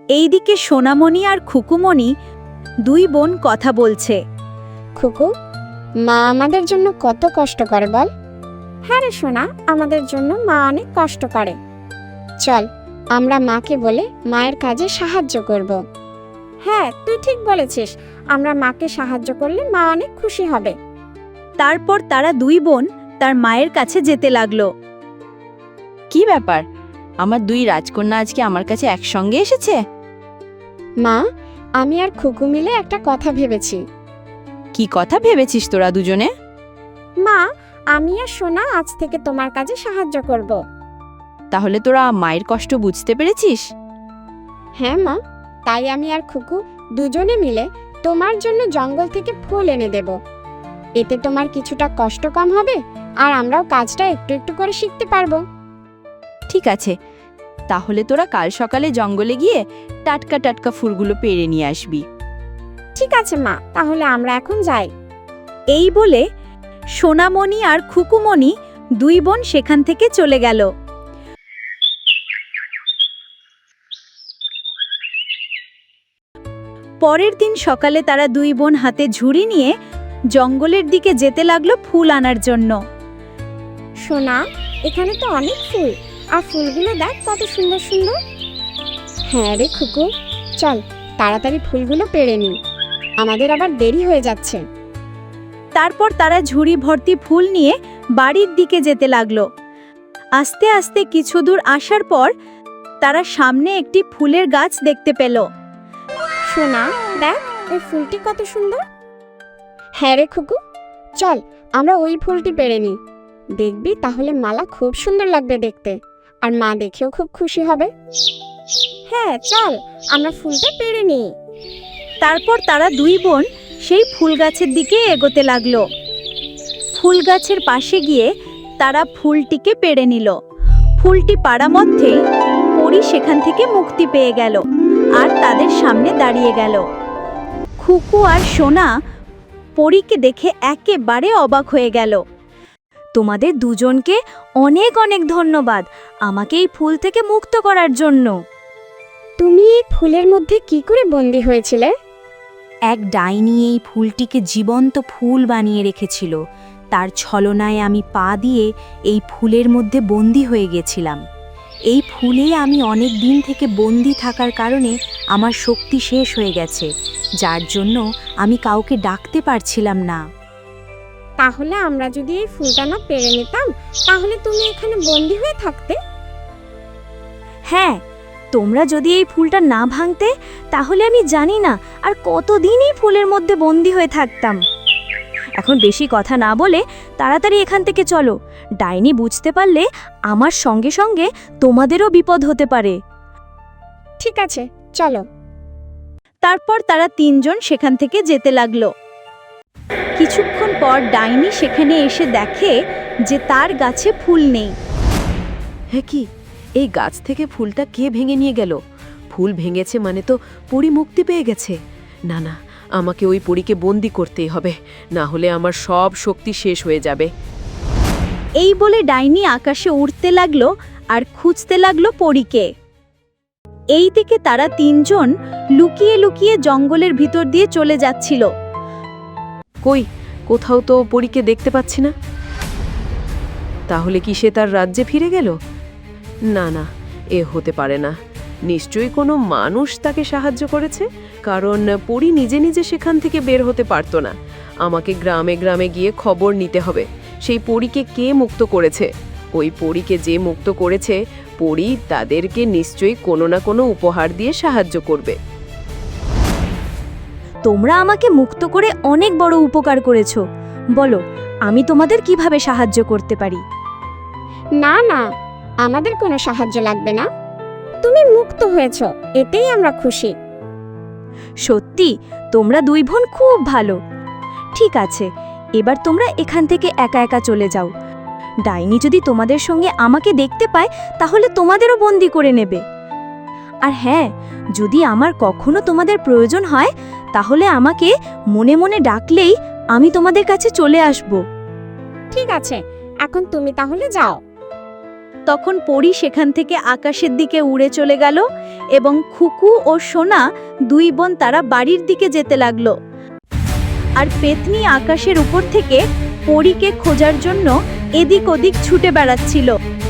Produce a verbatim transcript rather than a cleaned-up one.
এইদিকে সোনামণি আর খুকুমণি দুই বোন কথা বলছে। খুকু, মা আমাদের জন্য কত কষ্ট করে বল। হ্যাঁ রে সোনা, আমাদের জন্য মা অনেক কষ্ট করে। চল আমরা মাকে বলে মায়ের কাজে সাহায্য করব। হ্যাঁ, তুই ঠিক বলেছিস, আমরা মাকে সাহায্য করলে মা অনেক খুশি হবে। তারপর তারা দুই বোন তার মায়ের কাছে যেতে লাগলো। কি ব্যাপার, আমার দুই রাজকন্যা আজকে আমার কাছে একসঙ্গে এসেছে? মা, আমি আর খুকু মিলে একটা কথা ভেবেছি। কি কথা ভেবেছিস তোরা দুজনে? মা, আমি আর সোনা আজ থেকে তোমার কাজে সাহায্য করব। তাহলে তোরা মায়ের কষ্ট বুঝতে পেরেছিস? হ্যাঁ মা, তাই আমি আর খুকু দুজনে মিলে তোমার জন্য জঙ্গল থেকে ফুল এনে দেব। এতে তোমার কিছুটা কষ্ট কম হবে আর আমরাও কাজটা একটু একটু করে শিখতে পারবো। ঠিক আছে, তাহলে তোরা কাল সকালে জঙ্গলে গিয়ে টাটকা টাটকা ফুলগুলো পেড়ে নিয়ে আসবি। ঠিক আছে মা, তাহলে আমরা এখন যাই। এই বলে সোনামণি আর খুকুমণি দুই বোন সেখান থেকে চলে গেল। পরের দিন সকালে তারা দুই বোন হাতে ঝুড়ি নিয়ে জঙ্গলের দিকে যেতে লাগলো ফুল আনার জন্য। সোনা, এখানে তো অনেক ফুল, আর ফুলগুলো দেখ কত সুন্দর সুন্দর। হ্যাঁ রে খুকু, চল তাড়াতাড়ি ফুলগুলো পেড়ে নিই, আমাদের আবার দেরি হয়ে যাচ্ছে। তারপর তারা ঝুড়ি ভর্তি ফুল নিয়ে বাড়ির দিকে যেতে লাগলো। আস্তে আস্তে কিছু দূর আসার পর তারা সামনে একটি ফুলের গাছ দেখতে পেল। সোনা, দেখ ওই ফুলটি কত সুন্দর। হ্যাঁ রে খুকু, চল আমরা ওই ফুলটি পেড়ে নিই, দেখবি তাহলে মালা খুব সুন্দর লাগবে দেখতে, আর মা দেখেও খুব খুশি হবে। হ্যাঁ চল, আমরা ফুলটা পেড়ে নিই। তারপর তারা দুই বোন সেই ফুল গাছের দিকে এগোতে লাগলো। ফুল গাছের পাশে গিয়ে তারা ফুলটিকে পেড়ে নিল। ফুলটি পাড়া মধ্যেই পরী সেখান থেকে মুক্তি পেয়ে গেল আর তাদের সামনে দাঁড়িয়ে গেল। খুকু আর সোনা পরীকে দেখে একেবারে অবাক হয়ে গেল। তোমাদের দুজনকে অনেক অনেক ধন্যবাদ আমাকে এই ফুল থেকে মুক্ত করার জন্য। তুমি এই ফুলের মধ্যে কি করে বন্দী হয়েছিলে? এক ডাইনি এই ফুলটিকে জীবন্ত ফুল বানিয়ে রেখেছিল। তার ছলনায় আমি পা দিয়ে এই ফুলের মধ্যে বন্দী হয়ে গেছিলাম। এই ফুলে আমি অনেক দিন থেকে বন্দী থাকার কারণে আমার শক্তি শেষ হয়ে গেছে, যার জন্য আমি কাউকে ডাকতে পারছিলাম না। তাহলে আমরা যদি এই ফুলটা না পেড়ে নিতাম, তাহলে তুমি এখানে বন্দী হয়ে থাকতে। হ্যাঁ, তোমরা যদি এই ফুলটা না ভাঙতে তাহলে আমি জানি না আর কতদিন এই ফুলের মধ্যে বন্দী হয়ে থাকতাম। এখন বেশি কথা না বলে তাড়াতাড়ি এখান থেকে চলো, ডাইনি বুঝতে পারলে আমার সঙ্গে সঙ্গে তোমাদেরও বিপদ হতে পারে। ঠিক আছে, চলো। তারপর তারা তিনজন সেখান থেকে যেতে লাগলো। কিছুক্ষণ পর ডাইনি সেখানে এসে দেখে যে তার গাছে ফুল নেই। হে কি, এই গাছ থেকে ফুলটা কে ভেঙে নিয়ে গেল? ফুল ভেঙেছে মানে তো পরী মুক্তি পেয়ে গেছে। না না, আমাকে ওই পরীকে বন্দি করতেই হবে, না হলে আমার সব শক্তি শেষ হয়ে যাবে। এই বলে ডাইনি আকাশে উড়তে লাগলো আর খুঁজতে লাগলো পরীকে। এই দিকে তারা তিনজন লুকিয়ে লুকিয়ে জঙ্গলের ভিতর দিয়ে চলে যাচ্ছিল। কই, কোথাও তো পরীকে দেখতে পাচ্ছি না। তাহলে কি সে তার রাজ্যে ফিরে গেল? না না, এ হতে পারে না। নিশ্চয়ই কোনো মানুষ তাকে সাহায্য করেছে, কারণ পরী নিজে নিজে সেখান থেকে বের হতে পারতো না। আমাকে গ্রামে গ্রামে গিয়ে খবর নিতে হবে সেই পরীকে কে মুক্ত করেছে। ওই পরীকে যে মুক্ত করেছে, পরী তাদেরকে নিশ্চয়ই কোনো না কোনো উপহার দিয়ে সাহায্য করবে। তোমরা আমাকে মুক্ত করে অনেক বড় উপকার করেছো, বলো আমি তোমাদের কিভাবে সাহায্য করতে পারি? না না, আমাদের কোনো সাহায্য লাগবে না, তুমি মুক্ত হয়েছো, এতেই আমরা খুশি। সত্যি তোমরা দুই বোন খুব ভালো। ঠিক আছে, এবার তোমরা এখান থেকে একা একা চলে যাও। ডাইনি যদি তোমাদের সঙ্গে আমাকে দেখতে পায় তাহলে তোমাদেরও বন্দি করে নেবে। আর হ্যাঁ, যদি আমার কখনো তোমাদের প্রয়োজন হয় তাহলে আমাকে মনে মনে ডাকলেই আমি তোমাদের কাছে চলে আসব। ঠিক আছে, এখন তুমি তাহলে যাও। তখন পরী সেখান থেকে আকাশের দিকে উড়ে চলে গেল এবং খুকু ও সোনা দুই বোন তারা বাড়ির দিকে যেতে লাগলো। আর পেতনি আকাশের উপর থেকে পরীকে খোঁজার জন্য এদিক ওদিক ছুটে বেড়াচ্ছিল।